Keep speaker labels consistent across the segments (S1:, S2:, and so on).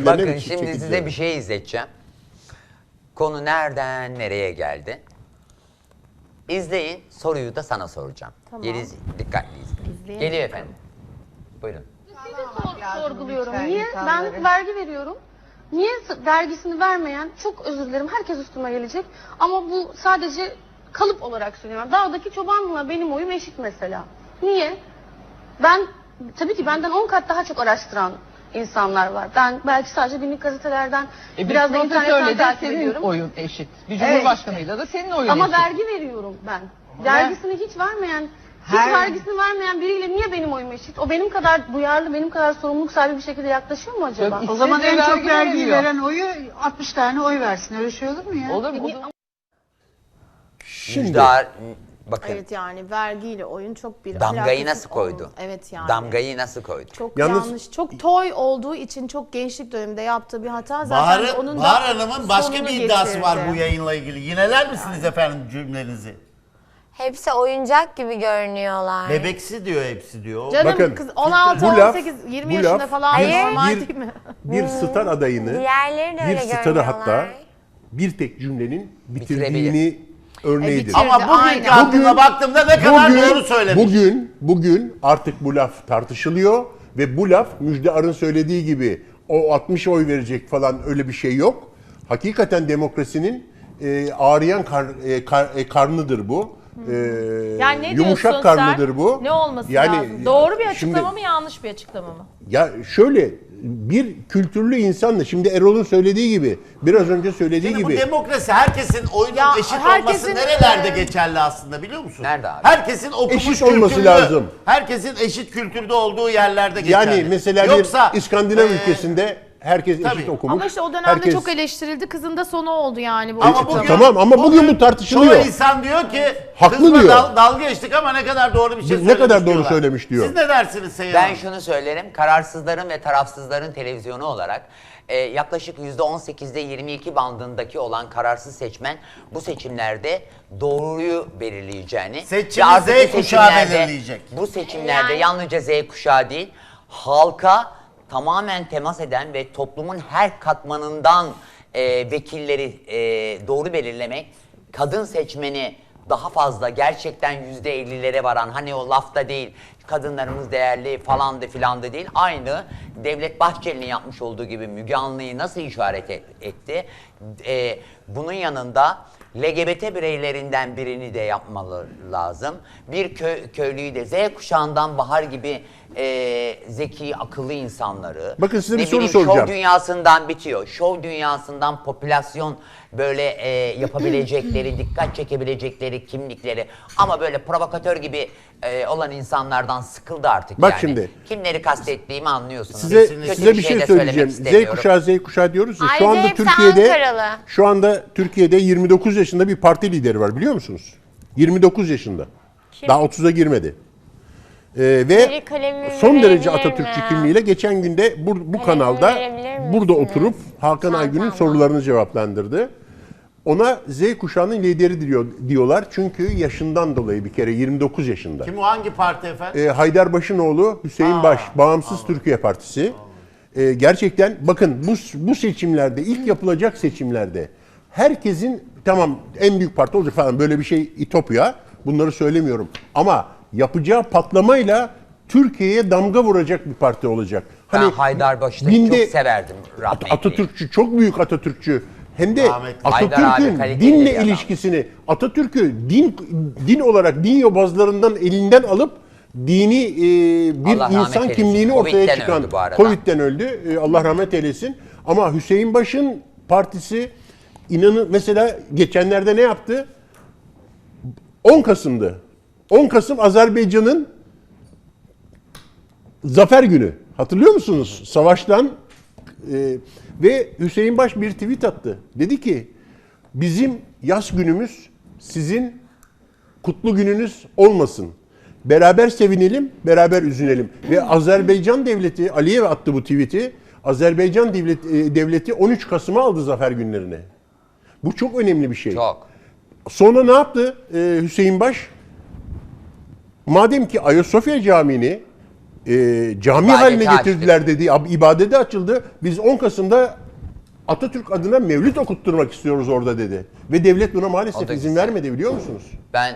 S1: kendilerine
S2: Bakın
S1: bir
S2: şimdi
S1: çeki
S2: size
S1: düzen.
S2: bir şey izleteceğim. Konu nereden nereye geldi? İzleyin, soruyu da sana soracağım.
S3: Tamam.
S2: Yeliz dikkatli izleyin.
S3: İzleyelim.
S2: Geliyor efendim. Buyurun.
S4: Sorguluyorum. Niye? Ben vergi veriyorum. Niye vergisini vermeyen, çok özür dilerim, herkes üstüme gelecek. Ama bu sadece kalıp olarak söylüyorum. Dağdaki çobanla benim oyum eşit mesela. Niye? Ben, tabii ki benden 10 kat daha çok araştıran insanlar var. Ben belki sadece günlük gazetelerden, biraz da internetten takip
S5: senin
S4: ediyorum.
S5: oyun eşit. Bir cumhurbaşkanıyla da senin oyun
S4: Ama
S5: eşit.
S4: vergi veriyorum ben. Vergisini hiç vermeyen, vergisini vermeyen biriyle niye benim oyum eşit? O benim kadar duyarlı, benim kadar sorumluluk sahibi bir şekilde yaklaşıyor mu acaba?
S5: Yok,
S6: O zaman
S5: İşsiz de
S6: en çok
S5: vergi
S6: vergiyi
S5: veremiyor.
S6: veren oyu 60 tane oy versin. Öyle şey olur mu ya?
S5: Olur mu?
S1: Şimdi
S2: Müjdar, bakın
S3: Evet yani vergiyle oyun çok bir
S2: damgayı
S3: alakası
S2: nasıl koydu?
S3: olmaz. Evet yani.
S2: Damgayı nasıl koydu?
S3: Çok
S1: Yalnız-
S3: yanlış. Çok toy olduğu için çok gençlik döneminde yaptığı bir hata zaten onun da
S7: Bahar Hanım'ın başka
S3: sonunu
S7: bir iddiası var
S3: getirdi.
S7: bu yayınla ilgili. Yineler misiniz efendim cümlenizi?
S8: Hepsi oyuncak gibi görünüyorlar.
S7: Bebeksi diyor hepsi diyor.
S3: Canım
S1: Bakın,
S3: kız 16,
S1: bu laf-
S3: 18, 20
S1: bu
S3: yaşında
S1: laf
S3: falan
S8: bir-
S3: normal
S1: bir-
S3: değil mi?
S1: bir star adayını,
S8: Diğerleri de
S1: bir
S8: öyle
S1: starı
S8: görünüyorlar.
S1: hatta bir tek cümlenin bitirdiğini
S2: Bitirebilir.
S1: örneğidir.
S3: bitir-
S7: Ama bugünkü
S3: Aynen.
S7: aklına baktığımda ne kadar doğru söylemiş.
S1: Bugün artık bu laf tartışılıyor ve bu laf Müjdar'ın söylediği gibi o 60 oy verecek falan öyle bir şey yok. Hakikaten demokrasinin ağrıyan karnıdır bu.
S9: Yani ne
S1: yumuşak
S9: diyorsun
S1: karnıdır
S9: sen?
S1: bu.
S9: Ne olması
S1: Yani,
S9: lazım? Doğru bir
S1: şimdi-
S9: açıklama mı yanlış bir açıklama mı?
S1: Ya şöyle bir kültürlü insanla şimdi Erol'un söylediği gibi biraz önce söylediği
S7: Şimdi bu
S1: gibi
S7: demokrasi herkesin oyunun
S3: Ya
S7: eşit
S3: herkesin,
S7: olması nerelerde geçerli aslında biliyor musun?
S2: Nerede abi?
S7: Herkesin okumuş
S1: Eşit olması
S7: kültürlü,
S1: lazım.
S7: herkesin eşit kültürde olduğu yerlerde geçerli.
S1: yani mesela
S7: Yoksa
S1: bir İskandinav
S7: e,
S1: ülkesinde herkes
S7: tabii.
S1: eşit okumuş.
S3: Ama işte o dönemde
S1: herkes-
S3: çok eleştirildi. Kızın da sonu oldu yani bu
S7: Ama
S3: açıklama.
S7: bugün,
S1: Tamam ama bugün bu tartışılıyor.
S7: Çoğu insan diyor ki
S1: Haklı
S7: kızla
S1: diyor.
S7: dalga geçtik ama ne kadar doğru bir şey
S1: Ne
S7: söylemiş
S1: kadar doğru
S7: diyorlar.
S1: söylemiş diyor.
S7: Siz ne dersiniz Seyhan
S2: Ben
S7: Hanım?
S2: şunu söylerim, kararsızların ve tarafsızların televizyonu olarak yaklaşık %18'de 22 bandındaki olan kararsız seçmen bu seçimlerde doğruyu belirleyeceğini
S7: Seçimi
S2: ve artık
S7: Z
S2: bu
S7: kuşağı
S2: seçimlerde-
S7: belirleyecek.
S2: Bu seçimlerde
S8: Yani-
S2: yalnızca Z kuşağı değil, halka tamamen temas eden ve toplumun her katmanından vekilleri doğru belirlemek, kadın seçmeni daha fazla gerçekten %50'lere varan, hani o lafta değil, kadınlarımız değerli falandı filandı değil, aynı Devlet Bahçeli'nin yapmış olduğu gibi Müge Anlı'yı nasıl işaret etti? Bunun yanında LGBT bireylerinden birini de yapmalı lazım. Bir köylüyü de Z kuşağından Bahar gibi zeki, akıllı insanları.
S1: Bakın size bir
S2: ne
S1: soru
S2: bileyim,
S1: soracağım.
S2: Şov dünyasından bitiyor. Şov dünyasından popülasyon böyle yapabilecekleri, dikkat çekebilecekleri kimlikleri ama böyle provokatör gibi olan insanlardan sıkıldı artık
S1: Bak
S2: yani.
S1: şimdi.
S2: Kimleri kastettiğimi anlıyorsunuz.
S1: Size
S2: Kötü
S1: size bir şey
S2: de
S1: söyleyeceğim.
S2: söylemek istemiyorum.
S1: Z kuşağı diyoruz ya. Şu
S8: Ayrıca
S1: anda
S8: hepsi
S1: Türkiye'de
S8: Ankaralı.
S1: şu anda Türkiye'de 29 yaşında bir parti lideri var biliyor musunuz? 29 yaşında. Daha 30'a girmedi. Ve
S8: Biri kalemimi
S1: son derece
S8: verebilir
S1: Atatürkçü
S8: mi?
S1: kimliğiyle geçen günde bu
S8: Kalemimi
S1: kanalda
S8: verebilir
S1: burada
S8: misiniz?
S1: oturup Hakan Aygün'ün
S8: Çantamla.
S1: sorularını cevaplandırdı. Ona Z kuşağının lideri diyorlar. Çünkü yaşından dolayı bir kere 29 yaşında.
S7: Kim o, hangi parti efendim?
S1: Haydarbaşınoğlu Hüseyin Baş, Bağımsız Türkiye Partisi. Gerçekten bakın bu seçimlerde, ilk yapılacak seçimlerde herkesin tamam en büyük parti olacak falan böyle bir şey İtopya. Bunları söylemiyorum. Ama yapacağı patlamayla Türkiye'ye damga vuracak bir parti olacak.
S2: Ben Haydarbaşı'nı çok severdim rahmetli.
S1: Atatürkçü, çok büyük Atatürkçü. Hem de
S7: Rahmetli.
S2: Haydar abi
S1: Atatürk'ün
S2: kaliteli
S1: dinle
S2: bir adam.
S1: ilişkisini, Atatürk'ü din olarak, din yobazlarından elinden alıp dini bir
S2: Allah rahmet
S1: insan
S2: eylesin.
S1: kimliğini ortaya
S2: Covid'den
S1: çıkan,
S2: öldü bu arada.
S1: Covid'den öldü. Allah rahmet eylesin. Ama Hüseyin Baş'ın partisi inanın mesela geçenlerde ne yaptı? 10 Kasım'dı. 10 Kasım Azerbaycan'ın Zafer Günü. Hatırlıyor musunuz? Savaştan ve Hüseyin Baş bir tweet attı. Dedi ki bizim yas günümüz sizin kutlu gününüz olmasın. Beraber sevinelim, beraber üzülelim. Ve Azerbaycan devleti, Aliyev attı bu tweet'i. Azerbaycan devleti 13 Kasım'a aldı Zafer günlerini. Bu çok önemli bir şey.
S2: Çok.
S1: Sonra ne yaptı Hüseyin Baş? Madem ki Ayasofya Camii'ni cami
S2: İbadeti
S1: haline
S2: açtık.
S1: getirdiler dedi. İbadete açıldı. Biz 10 Kasım'da Atatürk adına mevlüt okutturmak istiyoruz orada dedi. Ve devlet buna
S2: O
S1: maalesef
S2: da
S1: izin
S2: güzel.
S1: vermedi biliyor musunuz?
S2: Ben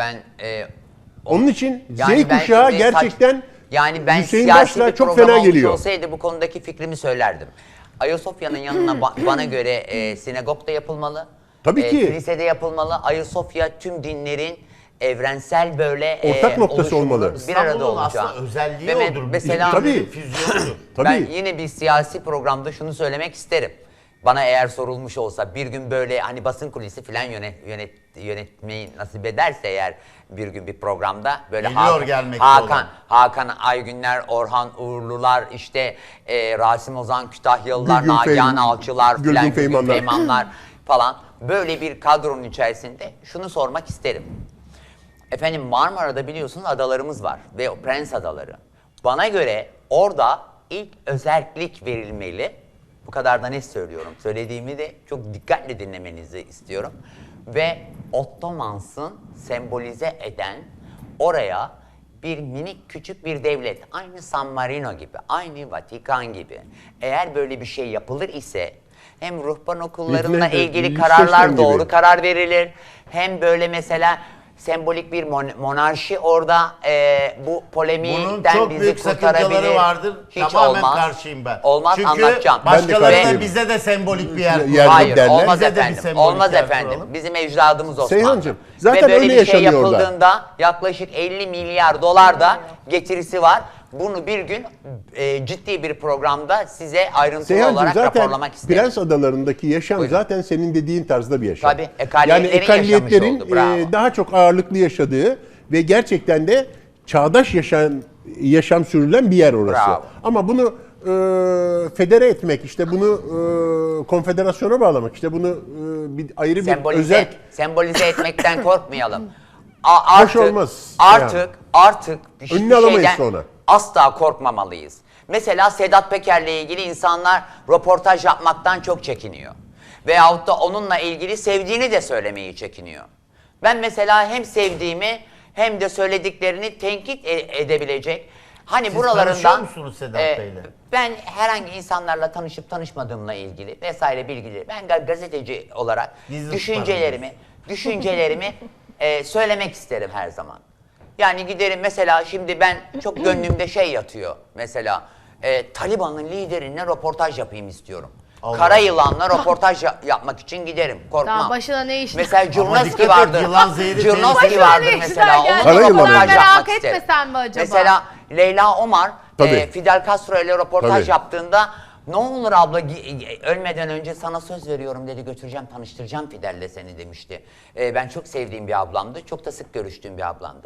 S1: Onun için
S2: yani
S1: Z
S2: ben
S1: kuşağı
S2: şimdi
S1: gerçekten
S2: yani ben
S1: Hüseyin
S2: siyasi
S1: Baş'la
S2: bir
S1: çok
S2: program
S1: fena
S2: olmuş
S1: geliyor.
S2: olsaydı bu konudaki fikrimi söylerdim. Ayasofya'nın yanına bana göre sinagog da yapılmalı.
S1: Tabii ki.
S2: Kilisede yapılmalı. Ayasofya tüm dinlerin evrensel böyle
S1: Ortak noktası
S2: oluşumunun
S1: olmalı.
S2: Bir arada
S7: İstanbul'un
S2: olacağı.
S7: aslında özelliği
S2: Ve
S7: odur.
S2: Mesela
S1: Tabii.
S7: Füzyonudur.
S1: Tabii.
S2: ben yine bir siyasi programda şunu söylemek isterim. Bana eğer sorulmuş olsa bir gün böyle hani basın kulisi falan yönetmeyi nasip ederse eğer bir gün bir programda böyle
S7: Geliyor gelmekte olan.
S2: Hakan Aygünler, Orhan Uğurlular, işte Rasim Ozan Kütahyalılar,
S1: Gülgün
S2: Nagihan
S1: Feyman-
S2: Alçılar
S1: Gülgün
S2: filan,
S1: Feymanlar.
S2: Feymanlar falan böyle bir kadronun içerisinde şunu sormak isterim. Efendim Marmara'da biliyorsunuz adalarımız var ve o Prens Adaları. Bana göre orada ilk özellik verilmeli. Bu kadar da net söylüyorum. Söylediğimi de çok dikkatle dinlemenizi istiyorum. Ve Ottomans'ın sembolize eden oraya bir minik küçük bir devlet, aynı San Marino gibi, aynı Vatikan gibi. Eğer böyle bir şey yapılır ise hem ruhban okullarıyla
S1: Liechtenstein
S2: ilgili
S1: gibi.
S2: kararlar doğru karar verilir. Hem böyle mesela sembolik bir monarşi orada bu
S7: Bunun
S2: polemikten
S7: çok
S2: bizi
S7: büyük
S2: kurtarabilir.
S7: sakıncaları vardır.
S2: Hiç
S7: Tamamen
S2: olmaz.
S7: karşıyım ben.
S2: Olmaz,
S7: Çünkü
S2: anlatacağım.
S7: başkaları
S1: Ben de
S7: da
S1: karşıyım.
S7: bize de sembolik bir yer
S1: Yer-
S7: kuralım.
S2: Hayır,
S1: derler.
S2: olmaz
S7: Bize de bir
S2: efendim.
S7: sembolik
S2: Olmaz
S7: yer
S2: efendim.
S7: kuralım.
S2: Bizim ecdadımız Osmanlı.
S1: Seyhancığım, zaten
S2: Ve böyle
S1: öyle
S2: bir şey
S1: yaşanıyor orada.
S2: yapıldığında yaklaşık 50 milyar dolar da getirisi var. Bunu bir gün ciddi bir programda size ayrıntılı
S1: Seyhancığım
S2: olarak
S1: zaten
S2: raporlamak isterim.
S1: Prens Adaları'ndaki yaşam
S2: Buyurun.
S1: zaten senin dediğin tarzda bir yaşam.
S2: Tabii, ekaliyetlerin
S1: ekaliyetlerin
S2: yaşamış oldu, bravo.
S1: daha çok ağırlıklı yaşadığı ve gerçekten de çağdaş yaşam sürülen bir yer orası.
S2: Bravo.
S1: Ama bunu federe etmek, işte bunu konfederasyona bağlamak, işte bunu bir ayrı bir özel
S2: Sembolize etmekten korkmayalım.
S1: Hoş olmaz.
S2: Artık hiçbir
S1: Önüne alamayız
S2: şeyden
S1: sonra.
S2: asla korkmamalıyız. Mesela Sedat Peker'le ilgili insanlar röportaj yapmaktan çok çekiniyor. Veyahut da onunla ilgili sevdiğini de söylemeyi çekiniyor. Ben mesela hem sevdiğimi hem de söylediklerini tenkit edebilecek. Hani
S7: Siz
S2: buralarından
S7: tanışıyor musunuz Sedat Bey'le?
S2: ben herhangi insanlarla tanışıp tanışmadığımla ilgili vesaire bilgileri ben gazeteci olarak
S7: Gizli
S2: düşüncelerimi söylemek isterim her zaman. Yani giderim mesela şimdi ben çok gönlümde şey yatıyor mesela Taliban'ın liderine röportaj yapayım istiyorum.
S7: Allah
S2: Kara
S7: Allah.
S2: yılanla röportaj yapmak için giderim. Korkmam.
S3: Daha başına ne iş?
S2: Mesela
S7: Ama
S2: Curnowski
S7: dikkat et,
S2: vardır.
S7: yılan zehri
S2: Curnowski
S7: tehlikeli.
S2: vardır
S3: Başına ne
S2: mesela.
S3: işler
S2: Onunla
S1: Kara yılan
S2: röportaj
S1: yani.
S2: yapmak
S3: Merak
S2: isterim.
S3: etmesen mi acaba?
S2: Mesela Leyla Omar
S1: Tabii.
S2: Fidel Castro ile röportaj
S1: Tabii.
S2: yaptığında ne olur abla ölmeden önce sana söz veriyorum dedi, götüreceğim tanıştıracağım Fidel'le seni demişti. Ben çok sevdiğim bir ablamdı. Çok da sık görüştüğüm bir ablamdı.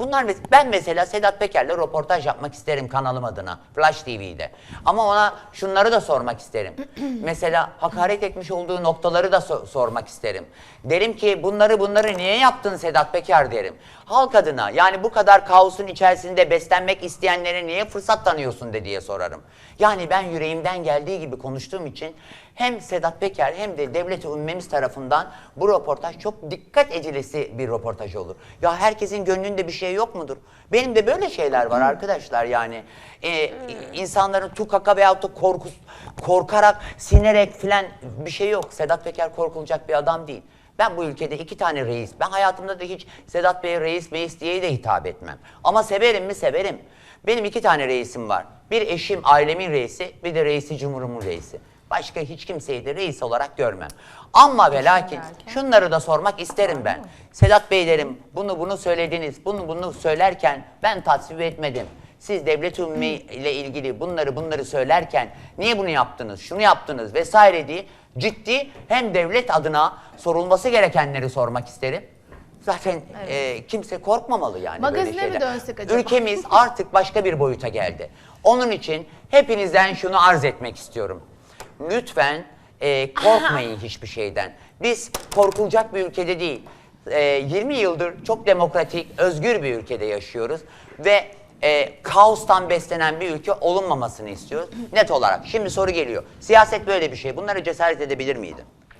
S2: Ben mesela Sedat Peker'le röportaj yapmak isterim kanalım adına. Flash TV'de. Ama ona şunları da sormak isterim. Mesela hakaret etmiş olduğu noktaları da sormak isterim. Derim ki bunları niye yaptın Sedat Peker derim. Halk adına yani bu kadar kaosun içerisinde beslenmek isteyenlere niye fırsat tanıyorsun diye sorarım. Yani ben yüreğimden geldiği gibi konuştuğum için hem Sedat Peker hem de devlet-i ümmemiz tarafından bu röportaj çok dikkat edilesi bir röportaj olur. Ya herkesin gönlünde bir şey yok mudur? Benim de böyle şeyler var arkadaşlar yani. İnsanların tukaka veyahut da korkarak, sinerek filan bir şey yok. Sedat Peker korkulacak bir adam değil. Ben bu ülkede 2 tane reis, ben hayatımda da hiç Sedat Bey'e reis diye de hitap etmem. Ama severim mi? Severim. Benim 2 tane reisim var. Bir eşim, ailemin reisi, bir de reisi cumhurumun reisi. Başka hiç kimseyi de reis olarak görmem. Ama ve lakin şunları da sormak isterim ben. Sedat Bey derim, bunu söylediniz, bunu söylerken ben tasvip etmedim. Siz devlet ümmi ile ilgili bunları söylerken niye bunu yaptınız, şunu yaptınız vesaire diye ciddi hem devlet adına sorulması gerekenleri sormak isterim. Zaten kimse korkmamalı yani
S3: Magazine
S2: böyle şeyler.
S3: mi dönsek acaba?
S2: Ülkemiz artık başka bir boyuta geldi. Onun için hepinizden şunu arz etmek istiyorum. Lütfen korkmayın hiçbir şeyden. Biz korkulacak bir ülkede değil. 20 yıldır çok demokratik, özgür bir ülkede yaşıyoruz. Ve kaostan beslenen bir ülke olunmamasını istiyoruz. Net olarak. Şimdi soru geliyor. Siyaset böyle bir şey. Bunları cesaret edebilir miydin?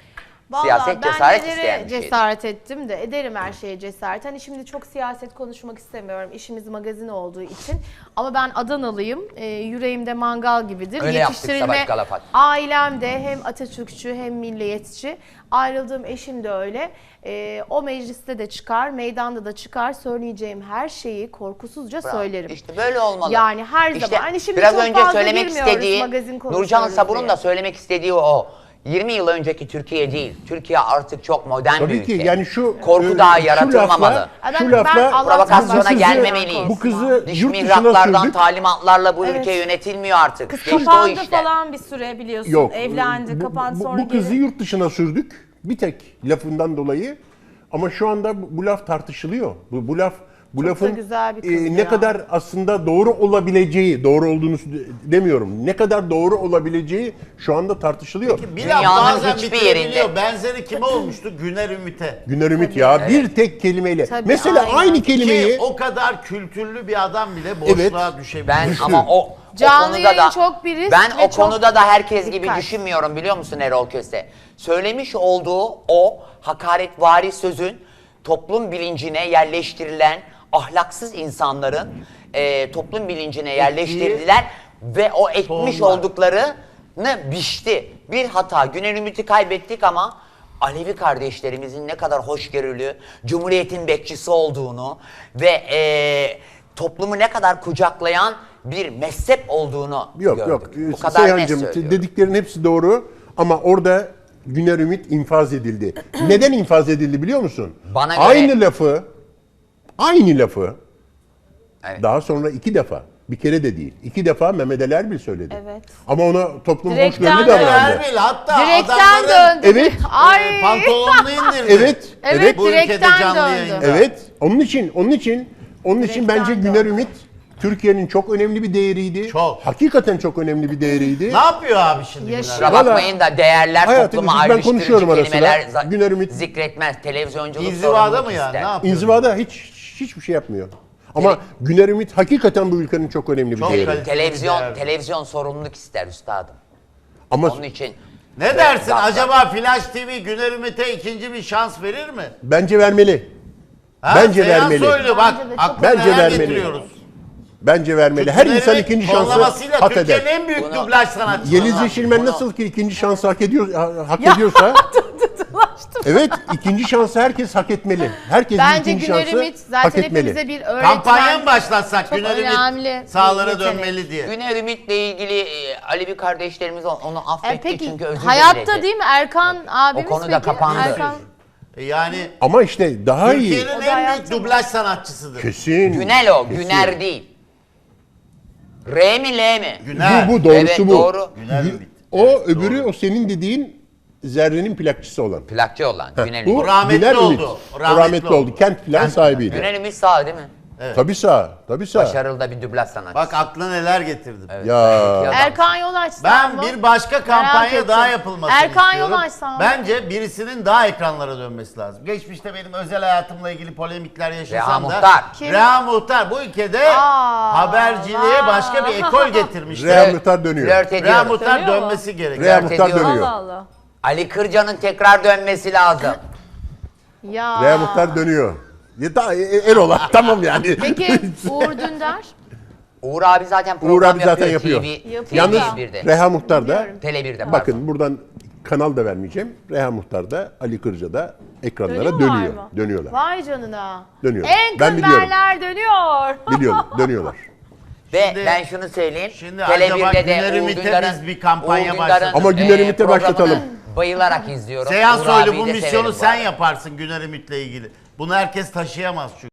S2: Siyaset cesaret
S3: ben
S2: isteyen
S3: nelere
S2: bir şeydir.
S3: cesaret ettim de ederim her şeye cesaret. Hani şimdi çok siyaset konuşmak istemiyorum. İşimiz magazin olduğu için. Ama ben Adanalıyım. Yüreğimde mangal gibidir.
S2: Öyle yaptık Savaş Galafat.
S3: Ailem de hem Atatürkçü hem milliyetçi. Ayrıldığım eşim de öyle. O mecliste de çıkar, meydanda da çıkar. Söyleyeceğim her şeyi korkusuzca söylerim.
S2: İşte böyle olmalı.
S3: Yani her
S2: İşte
S3: zaman. Hani şimdi
S2: biraz
S3: çok
S2: önce
S3: fazla
S2: söylemek
S3: girmiyoruz,
S2: istediği,
S3: magazin
S2: Nurcan
S3: konuşuyoruz
S2: Sabun'un
S3: diye.
S2: da söylemek istediği o. 20 yıl önceki Türkiye değil. Türkiye artık çok modern bir
S1: Tabii
S2: ülke.
S1: ki yani şu
S2: Korku daha
S1: şu
S2: yaratılmamalı.
S1: lafla,
S3: Ben
S1: şu lafla
S3: Allah'tan
S2: provokasyona
S1: bu kızı-
S2: gelmemeliyiz.
S1: Bu kızı
S2: Dış
S1: yurt dışına
S2: mihraklardan,
S1: sürdük.
S2: talimatlarla bu
S3: Evet.
S2: ülke yönetiliyor artık.
S9: Kız
S2: Geçti o
S9: kapandı
S2: işte.
S9: falan bir süre biliyorsun.
S1: Yok.
S9: Evlendi, kapandı sonra
S1: bu kızı
S9: geri.
S1: yurt dışına sürdük. Bir tek lafından dolayı. Ama şu anda bu laf tartışılıyor. Bu
S3: da
S1: lafın
S3: güzel bir kız
S1: ne
S3: ya.
S1: kadar aslında doğru olabileceği, doğru olduğunu demiyorum. Ne kadar doğru olabileceği şu anda tartışılıyor.
S7: Bir laf
S2: Dünyanın
S7: bazen
S2: hiçbir
S7: bitirebiliyor.
S2: yerinde.
S7: Benzeri kime olmuştu? Güner Ümit'e.
S1: Güner Ümit ya bir tek kelimeyle.
S3: Tabii,
S1: Mesela
S3: aynen.
S1: aynı
S7: Ki
S1: kelimeyi
S7: o kadar kültürlü bir adam bile boşluğa düşebilir.
S2: Ben
S1: Düştü.
S2: ama o
S3: Canlı
S2: konuda
S3: yayın
S2: da
S3: çok bir risk
S2: ben
S3: ve
S2: o konuda da herkes gibi
S3: dikkat.
S2: düşünmüyorum biliyor musun Erol Köse? Söylemiş olduğu o hakaretvari sözün toplum bilincine yerleştirilen ahlaksız insanların toplum bilincine yerleştirdiler ve o ekmiş
S7: Tohumlar.
S2: olduklarını biçti. Bir hata. Güner Ümit'i kaybettik ama Alevi kardeşlerimizin ne kadar hoşgörülü, Cumhuriyet'in bekçisi olduğunu ve toplumu ne kadar kucaklayan bir mezhep olduğunu gördük. Bu kadar net
S1: Seyhancığım
S2: söylüyorum.
S1: dediklerin hepsi doğru ama orada Güner Ümit infaz edildi. Neden infaz edildi biliyor musun?
S2: Bana göre-
S1: Aynı lafı
S2: Evet.
S1: daha sonra 2 defa, bir kere de değil, 2 defa Mehmet Ali Erbil söyledi.
S3: Evet.
S1: Ama ona toplum
S3: Direkten
S1: hoşgörülü
S3: döndü.
S1: davrandı.
S7: Erbil hatta
S3: Direkten
S7: adamların
S3: döndü.
S1: Evet.
S3: Ay.
S7: pantolonunu indirdi.
S1: Evet,
S3: Evet,
S7: Bu ülkede
S3: direkten
S7: canlı
S3: döndü.
S7: yayında.
S1: evet. Onun için
S3: Direkten
S1: bence
S3: döndü.
S1: Güner Ümit Türkiye'nin çok önemli bir değeriydi.
S7: Çok.
S1: Hakikaten çok önemli bir değeriydi.
S7: Ne yapıyor abi şimdi
S3: Yaşıyor.
S7: Güner?
S2: Kusura
S1: Valla-
S2: bakmayın da değerler
S1: Hayatım,
S2: topluma
S1: ben
S2: ayrıştırıcı
S1: konuşuyorum arasında.
S2: kelimeler
S1: Güner Ümit-
S2: zikretmez. Televizyonculuk
S7: İnzivada
S2: sorumluluk
S7: mı yani?
S2: ister.
S7: Ne yapıyor?
S1: İnzivada hiçbir şey yapmıyor. Ama Güner Ümit hakikaten bu ülkenin çok önemli bir
S7: Çok
S1: değeri.
S7: kaliteli.
S2: Televizyon sorumluluk ister üstadım.
S1: Ama
S2: Onun için
S7: Ne dersin?
S2: Zaten-
S7: Acaba Flash TV Güner Ümit'e ikinci bir şans verir mi?
S1: bence vermeli.
S7: Ha?
S1: Bence
S7: Seyhan
S1: vermeli.
S7: Soylu bak
S3: Bence de çok-
S7: aklına
S1: Bence
S7: neler
S1: vermeli.
S7: getiriyoruz.
S1: Bence vermeli. Her
S7: Güner
S1: insan
S7: Ümit
S1: ikinci şansı
S7: tonlamasıyla
S1: hak
S7: Türkiye'nin
S1: eder.
S7: en büyük
S2: Bunu-
S7: dublaj sanatçısı.
S1: Yeliz Yeşilmen
S2: Bunu-
S1: nasıl ki ikinci şansı hak ediyorsa evet, ikinci şansı herkes hak etmeli. Herkesin
S3: Bence
S1: ikinci
S3: Güner
S1: şansı
S3: Ümit
S1: hak
S3: zaten
S1: etmeli.
S3: hepimize bir öğretmen.
S7: Kampanya mı başlatsak
S3: Çok
S7: Güner
S3: önemli
S7: Ümit
S3: bir
S7: sahalara
S3: yetenek.
S7: dönmeli diye.
S2: Güner Ümit'le ilgili Alevi kardeşlerimiz onu affetti
S3: Peki
S2: çünkü özür
S3: hayatta
S2: diledi.
S3: değil mi Erkan abimiz
S2: O konuda
S3: peki?
S2: kapandı.
S3: Erkan,
S7: Yani
S1: Ama işte daha iyi.
S7: Türkiye'nin
S3: O da
S7: en büyük
S3: hayatım.
S7: dublaj sanatçısıdır.
S1: Kesin.
S2: Günel o,
S1: kesin.
S2: Güner değil. R mi L mi?
S7: Güner.
S1: Bu doğrusu
S2: Evet,
S1: bu.
S2: doğru.
S7: Güner Ümit.
S1: O öbürü o senin dediğin Zerre'nin plakçısı olan.
S2: Plakçı olan Güner
S1: Bu
S2: Ümit.
S7: rahmetli
S1: Güner
S7: oldu.
S1: Ümit. O
S7: Rahmetli
S1: rahmetli oldu.
S7: oldu.
S1: Kent plan sahibiydi.
S2: Güner Ümit sağ değil mi?
S1: Tabii sağ. Tabii sağ.
S2: Başarılı da bir dublaj sanatçısı.
S7: Bak aklına neler getirdim.
S1: Ya.
S2: Adam.
S3: Erkan Yolaç
S7: Ben
S3: mı?
S7: bir başka
S3: Merak
S7: kampanya
S3: ettim.
S7: daha yapılmasını
S3: Erkan
S7: istiyorum.
S3: Yolaç sağ ol.
S7: Bence birisinin daha ekranlara dönmesi lazım. Geçmişte benim özel hayatımla ilgili polemikler
S2: Reha
S7: yaşasam da.
S2: Muhtar.
S3: Kim?
S7: Reha Muhtar bu ülkede haberciliğe başka bir ekol getirmiştir.
S1: Reha Muhtar dönüyor.
S2: Flört
S7: Reha
S2: ediyor.
S7: Muhtar
S9: Dönüyor mu?
S7: dönmesi gerekiyor.
S1: Reha
S2: Flört
S1: Muhtar
S2: ediyor.
S1: dönüyor.
S9: Allah Allah.
S2: Ali Kırca'nın tekrar dönmesi lazım.
S3: Ya.
S1: Reha Muhtar dönüyor. Ya da Erol'a tamam yani.
S3: Peki Uğur Dündar?
S2: Uğur abi zaten
S1: Uğur
S2: program
S1: abi zaten
S2: yapıyor.
S1: yapıyor.
S2: TV,
S1: Yalnız
S2: TV1'de.
S1: Reha Muhtar da
S2: Tele1'de pardon.
S1: bakın buradan kanal da vermeyeceğim. Reha Muhtar da Ali Kırca da ekranlara
S3: Dönüyorlar
S1: dönüyor.
S3: mı?
S1: Dönüyorlar.
S3: Vay canına.
S1: Dönüyor.
S3: En
S1: Ben biliyorum.
S3: kımberler dönüyor.
S1: Biliyorum. Dönüyorlar.
S2: Ve
S7: Şimdi-
S2: ben şunu söyleyeyim.
S7: Şimdi acaba Güner Ümit'e biz bir kampanya başlatalım.
S1: Ama Güner Ümit'e
S2: programını
S1: başlatalım.
S2: Bayılarak izliyorum.
S7: Seyhan
S2: Uğur
S7: Soylu
S2: abiyi
S7: bu
S2: de
S7: misyonu
S2: severim bu
S7: sen
S2: arada.
S7: yaparsın Güner Ümit'le ilgili. Bunu herkes taşıyamaz çünkü.